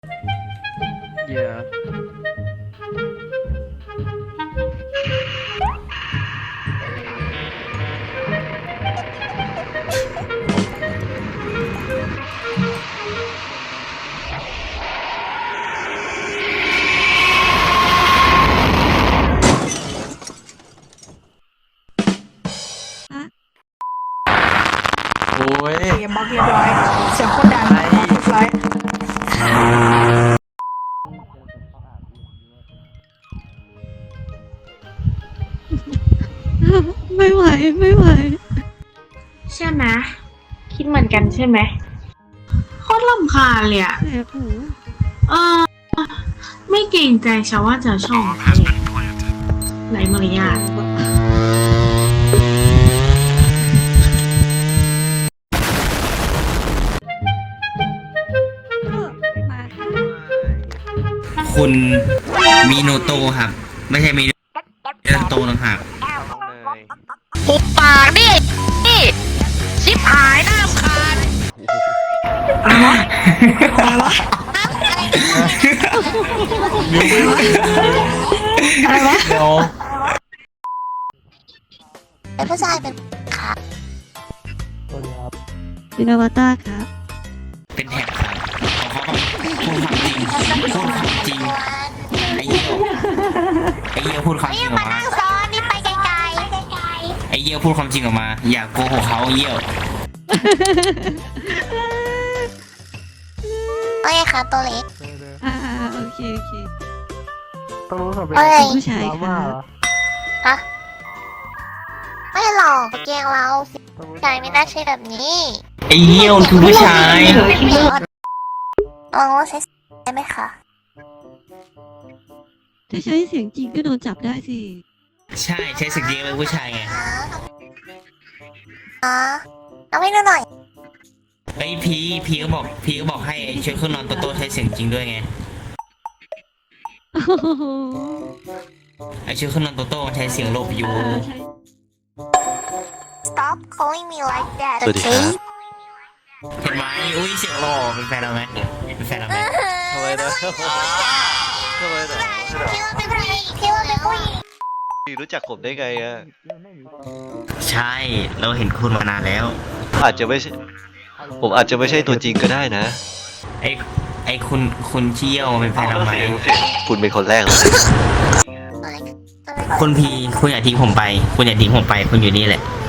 Yeah.โอ้ยเกมบล็อกเรียบร้อยเสียงโคตรดังเรียบร้อยไม่ไหวไม่ไหวใช่ไหมคิดเหมือนกันใช่ไหมโคตรรำคาญเลยอะแสบหูเออไม่เกรงใจชาวว่าจะช่องไรมารยาทคุณมิโนโตะครับ ไม่ใช่มิโนโตะต่างหากหุบปากดินี่ชิบหายน้ำขาดอะไรวะเดี๋ยวเป็นผู้ชายเป็นขาสวัสดีครับเป็นอวตารครับเป็นแท็บครับของเขาพูดความจริงพูดความจริงไอ้เหี้ยพูดความจริงออกมาซ้อนนี่ไปไกลไอ้เหี้ยพูดความจริงออกมา อย่าโกหกเขาเหี้ยๆโอเคค่ะตัวเล็กอ่าโอเคโอเคต้องรู้สึกเป็นเอ้ยผู้ชายดราคม่ารับเหรอฮะไม่หรอกแกล้งเราต้องรู้สึกชายไม่น่าใช่แบบนี้ไอ้เหี้ยมันคือผู้ชายลองว่าใช้ได้ไหมคะถ้าใช้เสียงจริงก็โดนจับได้สิใช่ใช้สกิลเป็นผู้ชายไงอ๋อเอาให้ดูหน่อยไอ้พีก็บอกให้ช่วยเครื่องนอนโตๆใช้เสียงจริงด้วยไงโอ้โหไอ้ช่วยเครื่องนอนโตๆมันใช้เสียงโลบอยู่ใช่ stop calling me like that สวัสดีครับเห็นไหมอุ้ยเสียงหล่อเป็นแฟนเราไหมเป็นแฟนเราไหมทำไมนะทำไมนะพี่ว่าเป็นผู้หญิงพี่รู้จักผมได้ไงอ่ะใช่เราเห็นคุณมานานแล้วอาจจะไม่ใช่ผมอาจจะไม่ใช่ตัวจริงก็ได้นะไอ้คุณเชี่ยวเป็นแฟนเราไหมคุณเป็นคนแรกเลยคุณพีคุณอย่าทิ้งผมไป คุณอย่าทิ้งผมไป คุณอยู่นี่แหละ